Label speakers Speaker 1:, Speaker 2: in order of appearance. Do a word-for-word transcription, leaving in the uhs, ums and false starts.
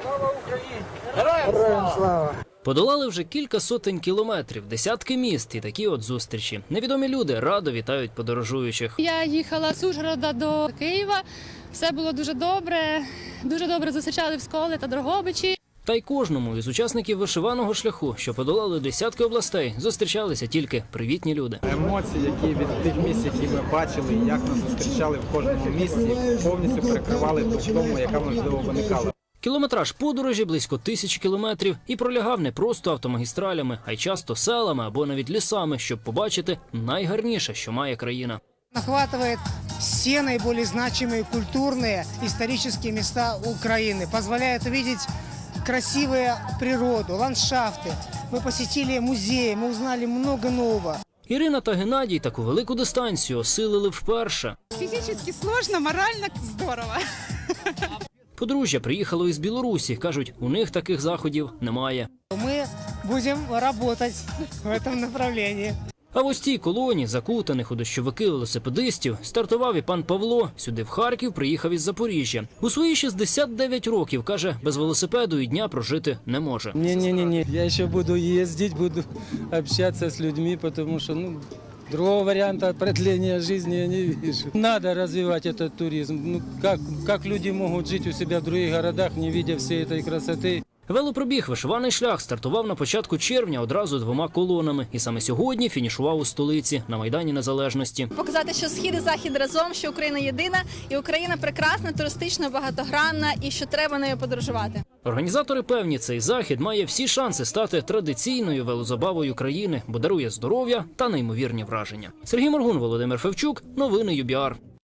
Speaker 1: Слава Україні! Героям слава!
Speaker 2: Подолали вже кілька сотень кілометрів, десятки міст і такі от зустрічі. Невідомі люди радо вітають подорожуючих.
Speaker 3: Я їхала з Ужгорода до Києва, все було дуже добре, дуже добре зустрічали в Сколі та Дрогобичі.
Speaker 2: Та й кожному із учасників вишиваного шляху, що подолали десятки областей, зустрічалися тільки привітні люди.
Speaker 4: Емоції, які від тих місць, які ми бачили, як нас зустрічали в кожному місці, повністю перекривали ту втому, яка можливо виникала.
Speaker 2: Кілометраж подорожі близько тисячі кілометрів і пролягав не просто автомагістралями, а й часто селами або навіть лісами, щоб побачити найгарніше, що має країна.
Speaker 1: Охватывает все наиболее значимые культурные, исторические места Украины, позволяет увидеть красивую природу, ландшафты. Мы посетили музеи, мы узнали много нового.
Speaker 2: Ірина та Геннадій таку велику дистанцію осилили вперше.
Speaker 5: Фізично складно, морально здорово.
Speaker 2: Подружжя приїхало із Білорусі. Кажуть, у них таких заходів немає.
Speaker 1: Мы будем работать в этом направлении.
Speaker 2: А в ось цій колоні, закутаних у дощовики велосипедистів, стартував і пан Павло. Сюди в Харків приїхав із Запоріжжя. У свої шістдесят дев'ять років, каже, без велосипеду і дня прожити не може.
Speaker 6: Не-не-не, я ще буду їздити, буду общатися з людьми, тому що, ну, другого варианта продления жизни я не вижу. Надо развивать этот туризм. Ну, как, как люди могут жить у себя в других городах, не видя всей этой красоты?
Speaker 2: Велопробіг «Вишиваний шлях» стартував на початку червня одразу двома колонами. І саме сьогодні фінішував у столиці, на Майдані Незалежності.
Speaker 7: Показати, що Схід і Захід разом, що Україна єдина, і Україна прекрасна, туристично, багатогранна, і що треба нею подорожувати.
Speaker 2: Організатори певні, цей захід має всі шанси стати традиційною велозабавою країни, бо дарує здоров'я та неймовірні враження. Сергій Моргун, Володимир Февчук, новини ю бі ар.